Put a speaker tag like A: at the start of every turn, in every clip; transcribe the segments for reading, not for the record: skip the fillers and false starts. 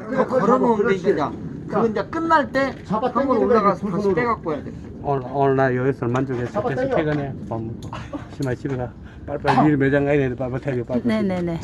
A: 더 걸어놓으면 돼 이제. 그건 이제 끝날 때
B: 잡아
A: 한 번
B: 당기는 거야,
A: 올라가서
B: 두
A: 다시
B: 손으로.
A: 빼갖고 해야 돼.
C: 오늘 나 여기서 만족해서
B: 잡아
C: 계속
B: 당겨.
C: 퇴근해. 밥 먹고. 심하 집에 가. 빨리빨리 일 매장 가야 되는데 빨리빨리 퇴근 빨리.
D: 네네네.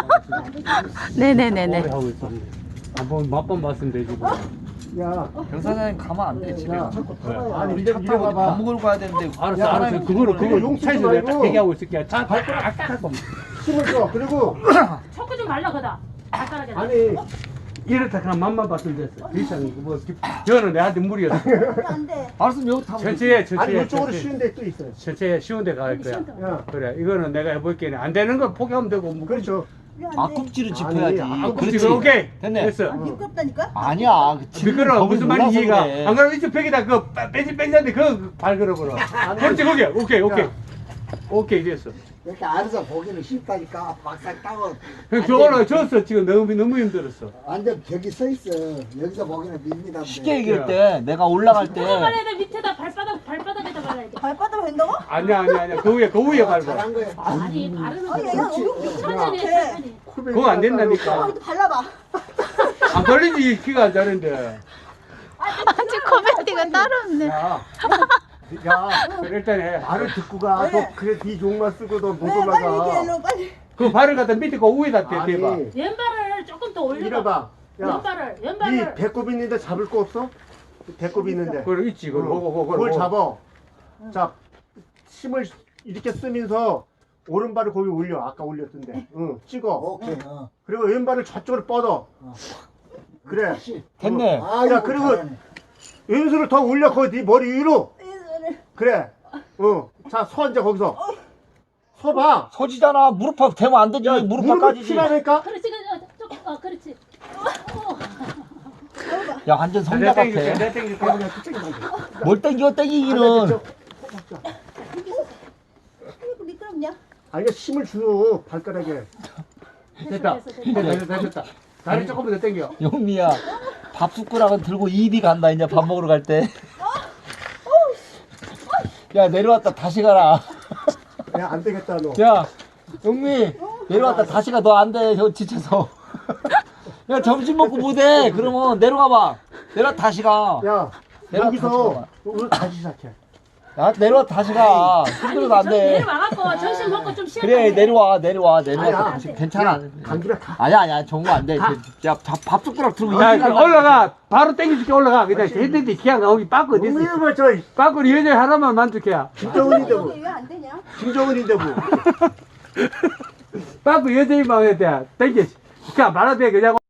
D: 네네네네.
C: 오래 하고 있었네. 한번 맛만 봤으면 되지 뭐.
B: 야,
A: 병사장님 가면 안 돼 집에.
B: 야. 아니
A: 우리
B: 이제
A: 차
B: 이리
A: 타고 밥
B: 와봐.
A: 먹으러 가야 되는데.
C: 알았어
B: 야,
C: 알았어. 그거를
B: 용치지
C: 차에서 내가 딱
B: 말고.
C: 대기하고 있을게. 차 딱.
B: 힘을 줘. 그리고
E: 척구 좀 말라 그다. 발가락에.
B: 아니
C: 이렇다 그냥 맛만 봤으면 됐어. 이상 뭐 저는 내한테 무리였어.
A: 알았으면 여기 타면
C: 천천히 해,
B: 아니
C: 천천히 해.
B: 이쪽으로
C: 천천히.
B: 쉬운 데 또 있어요.
C: 천천히 쉬운 데 갈 거야.
B: 야,
C: 그래 이거는 내가 해볼게. 안 되는 거 포기하면 되고. 뭐.
B: 그렇죠.
A: 앞꿈치를 짚어야지.
B: 아니,
C: 그렇지. 오케이.
A: 됐네.
C: 됐어.
F: 미끄럽다니까?
A: 아니야.
C: 미끄러워. 무슨 말인지 이해가.
A: 그래.
C: 안 그러면 이쪽 벽에다 그 빼지 뺀다는데 그거 발걸어버려. 그렇지 거기. 오케이 오케이.
B: 야.
C: 오케이 됐어.
G: 이렇게 알아서 보기는 쉽다니까 막상 따고
C: 형 저거는 졌어 지금 너무 힘들었어.
G: 완전 벽이 서 있어. 여기서 보기는 밋밋한데.
A: 쉽게 얘기할 때 내가 올라갈 때
E: 누가 말해야 돼? 밑에다 발바닥에다 말아야 돼.
F: 발바닥 된다고?
C: 아니야 그 위에 밟아.
G: 잘한 거야.
E: 아니 바르는 거.
F: 얘가 너무
E: 천천히 해 천천히.
C: 그거 안 된다니까.
F: 발라봐.
C: 안 걸리지 키가 안 자는데.
D: 아주 코미디가 따로 없네.
B: 야, 야,
C: 그래, 일단 해.
B: 말을 듣고 가.
F: 왜?
B: 너 그래 네 종만 쓰고 너 못
F: 왜 빨리 이렇게
B: 올라가.
F: 일로 빨리.
C: 그 발을 갖다 밑에 그 위에다 대봐.
B: 아니,
E: 왼발을 조금 더 올려봐.
B: 이래봐. 야,
E: 왼발을
B: 네
E: 왼발을.
B: 배꼽 있는데 잡을 거 없어? 배꼽 있는데.
C: 그걸 있지 그걸
B: 그걸 잡아. 자, 힘을 이렇게 쓰면서 오른발을 거기 올려. 아까 올렸던데. 응, 찍어.
G: 오케이.
B: 그리고 왼발을 저쪽으로 뻗어. 그래.
A: 됐네.
B: 야, 그리고 왼손을 더 올려. 거기 네 머리 위로. 그래. 응. 자, 서 이제 거기서. 서봐.
A: 서지잖아. 무릎팍 대면 안 되지.
B: 야,
A: 무릎팍
B: 무릎을
A: 까지지.
B: 치라니까?
E: 그렇지 그렇지.
A: 야 완전 성자
C: 내가
A: 같아.
C: 땡길게 내가 땡길게.
A: 뭘 땡겨 땡기기는.
F: 이거 미끄럽냐?
B: 아니, 힘을 줘. 발가락에.
C: 됐다. 됐다. 다리 조금 더 당겨.
A: 영미야 밥 숟가락은 들고 입이 간다 이제 밥 먹으러 갈 때. 야 내려왔다 다시 가라.
B: 야, 안 되겠다, 너.
A: 야 영미 내려왔다 다시 가. 너 안 돼. 저 지쳐서. 야 점심 먹고 못해. 그러면 내려가봐. 내려와 다시 가.
B: 야,
A: 내가
B: 여기서 오늘 다시 시작해.
A: 야 내려와 다시 가. 힘들어도 안 돼.
E: 내려와갖고 점심 먹고 좀 쉬었다.
A: 그래 내려와
B: 아니야.
A: 다시 괜찮아.
B: 감기가 다.
A: 아니야 정거 안 돼. 야밥 숟가락 들고
C: 야
A: 입이 간다.
C: 올라가. 바로 땡겨줄게 올라가. 그냥 했는데 기왕 나오기 빠꾸 어디 있어?
B: 이거 저
C: 빠꾸 여자 하나만 만족해야.
B: 김정은인데 뭐.
F: 왜 안 되냐?
B: 김정은인데 뭐.
C: 빠꾸 여자의 마음에 대한 땡겨. 그냥 말아도 돼 그냥.